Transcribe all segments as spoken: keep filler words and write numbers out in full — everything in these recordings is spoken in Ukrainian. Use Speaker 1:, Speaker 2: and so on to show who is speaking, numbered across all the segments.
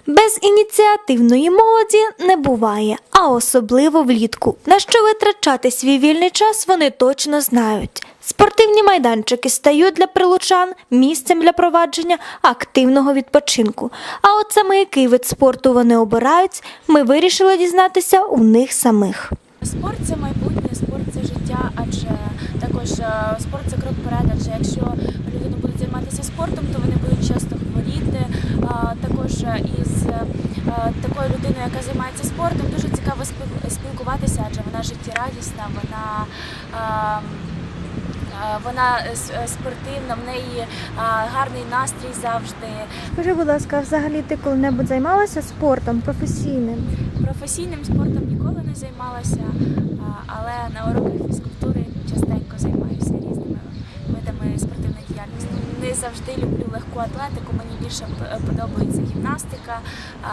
Speaker 1: Без ініціативної молоді не буває, а особливо влітку. На що витрачати свій вільний час вони точно знають. Спортивні майданчики стають для прилучан місцем для провадження активного відпочинку. А от саме який вид спорту вони обирають, ми вирішили дізнатися у них самих.
Speaker 2: Спорт – це майбутнє, спорт – це життя, адже також е, спорт – це крок вперед, адже якщо люди будуть займатися спортом, то вони будуть часто хворіти. А, також із е, такою людиною, яка займається спортом, дуже цікаво спіл- спілкуватися, адже вона життєрадісна, вона е, е, Вона с- спортивна, в неї е, гарний настрій завжди.
Speaker 1: Скажи, будь ласка, взагалі ти коли-небудь займалася спортом професійним?
Speaker 2: Професійним спортом ніколи не займалася, а, але на уроках фізкультури частенько займаюся різними видами спортивної діяльності. Не завжди люблю легку атлетику, мені більше п- подобається гімнастика, а,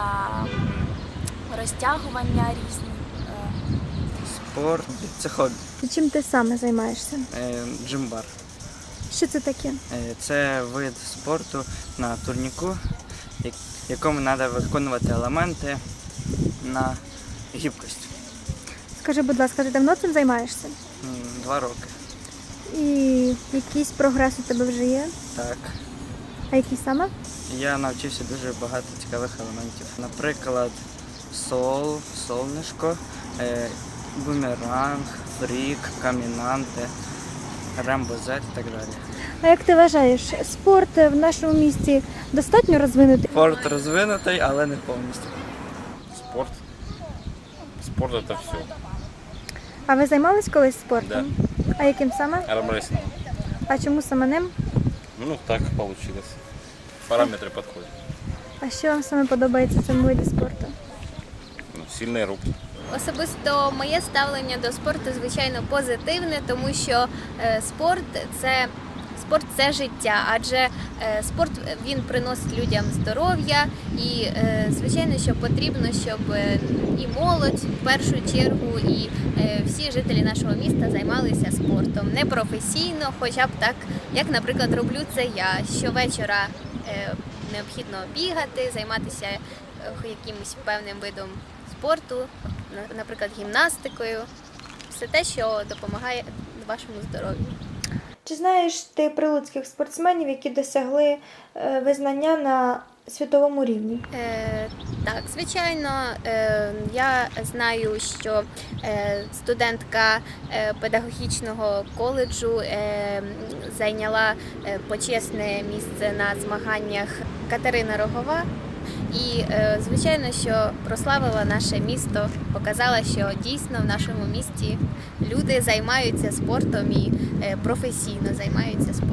Speaker 2: розтягування різні. е.
Speaker 3: Спорт – це хобі.
Speaker 1: Чим ти саме займаєшся?
Speaker 3: Е, Джимбар.
Speaker 1: Що це таке?
Speaker 3: Е, Це вид спорту на турніку, як- якому треба виконувати елементи на гібкость.
Speaker 1: Скажи, будь ласка, ти давно цим займаєшся?
Speaker 3: М, Два роки.
Speaker 1: І якийсь прогрес у тебе вже є?
Speaker 3: Так.
Speaker 1: А який саме?
Speaker 3: Я навчився дуже багато цікавих елементів. Наприклад, сол, солнишко, е, бумеранг, фрік, камінанти, рембо-зет і так далі.
Speaker 1: А як ти вважаєш, спорт в нашому місті достатньо розвинутий?
Speaker 3: Спорт розвинутий, але не повністю.
Speaker 4: Спорт. Спорт это все.
Speaker 1: А ви займались колись спортом? А яким саме?
Speaker 4: Армрестлинг.
Speaker 1: А чому саме ним?
Speaker 4: Ну, так получилось. Параметры подходят.
Speaker 1: А що вам саме подобається в цьому виді спорту?
Speaker 4: Ну, сильные руки.
Speaker 5: Особисто моє ставлення до спорту, звичайно, позитивне, тому що е, спорт це спорт це життя, адже е, спорт він приносить людям здоров'я і е, звичайно, що потрібно, щоб е, і молодь в першу чергу, і е, всі жителі нашого міста займалися спортом не професійно, хоча б так, як, наприклад, роблю це я. Щовечора е, необхідно бігати, займатися е, якимось певним видом спорту, на- наприклад, гімнастикою, все те, що допомагає вашому здоров'ю.
Speaker 1: Чи знаєш ти прилуцьких спортсменів, які досягли е, визнання на світовому рівні?
Speaker 5: Е, так, звичайно, е, я знаю, що е, студентка е, педагогічного коледжу е, зайняла е, почесне місце на змаганнях Катерина Рогова. І, е, звичайно, що прославила наше місто, показала, що дійсно в нашому місті люди займаються спортом і е, професійно займаються спортом.